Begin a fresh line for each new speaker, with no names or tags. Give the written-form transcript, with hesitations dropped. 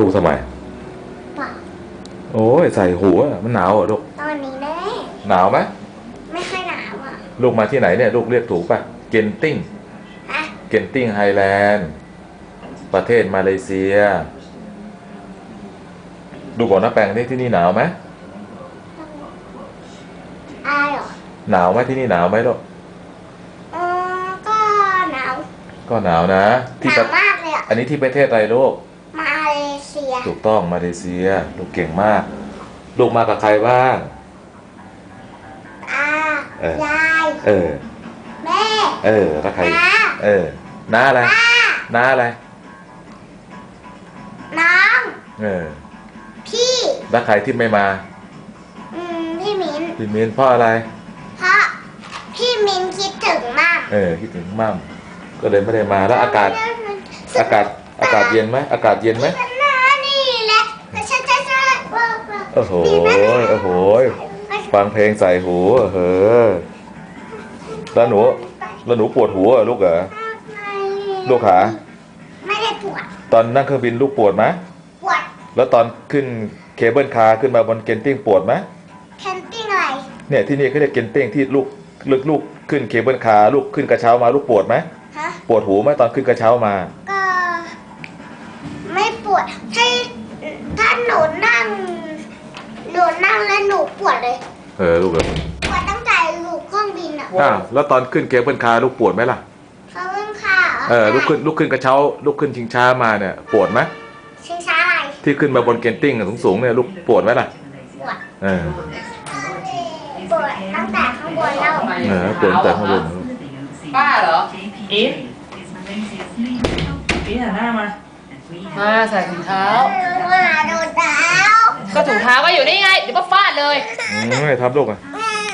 กทำไม
เปล่า
โอ้ยใส่หูอ่ะมันหนาวเหรอลูก
ตอนนี้แน่
หนาวไหม
ไม่ค่อยหนาวอ่ะ
ลูกมาที่ไหนเนี่ยลูกเรียกถูกป่ะเกนติ้ง
ฮะ
เกนติ้งไฮแลนด์ประเทศมาเลเซียดูก่อนนะแปลงนี่ที่นี่หนาวไหม
อายเหรอ
หนาวไหมที่นี่หนาวไหมลูก
ก็หนาว
ก็หนาวนะ
หนาวมากเลยอ่ะ
อันนี้ที่ประเทศอะไรลูก
มาเลเซีย
ถูกต้องมาเลเซียลูกเก่งมากลูกมากับใครบ้าง
ยายแม่
แล้วใครน้าอะไรน้าอะไร
น้องพี่
แล้วใครที่ไม่มา
พี่
มิ้นเพราะอะไร
เพราะพี่มิ้นคิดถึงมาก
คิดถึงมั่มก็เลยไม่ได้มาแล้วอากาศเย็นไหมอากาศเย็นไหม
นี่แหละ
โอ้โหฟังเพลงใส่หูแล้วหนูปวดหัวลูกเหรอลูกขา
ไม่ได้ปวด
ตอนนั่งเครื่องบินลูกปวดไหม
ปวด
แล้วตอนขึ้นเคเบิลคาร์ขึ้นมาบนเกนติ้งปวดไหม
เคนติ้งอะไร
เนี่ยที่นี่เขาเรียกเกนติ้งที่ลูกขึ้นเคเบิลคาร์ลูกขึ้นกระเช้ามาลูกปวดไหมปวดหูไหมตอนขึ้นกระเช้ามา
ก็ไม่ปวดถ้าหนูนั่งแล้วหนูปวดเลย
ลูกเหรอ
ปวดตั้งแต่ลูกเครื่องบินอ่ะ
แล้วตอนขึ้นเคเบิลคาร์ลูกปวดไหมล่ะ
เครื่องคาร์
ลูกขึ้นกระเช้าลูกขึ้นชิงช้ามาเนี่ยปวดไหม
ชิงช้าอะไร
ที่ขึ้นมาบนเกนติ้งสูงเนี่ยลูกปวดไหมล่ะ
ปวดปวดตั้งแต่ข้างบนแล้ว
ปวดตั้งแต่ข้างบน
ป้าเหรอ
อีฟหันหน้ามา
ใส่ถุงเท้า
มาโดนเท้า
ก็ถุงเท้าก็อยู่นี่ไงเดี๋ยวป้าฟาดเลย
ไม่ทำลูกอ่ะ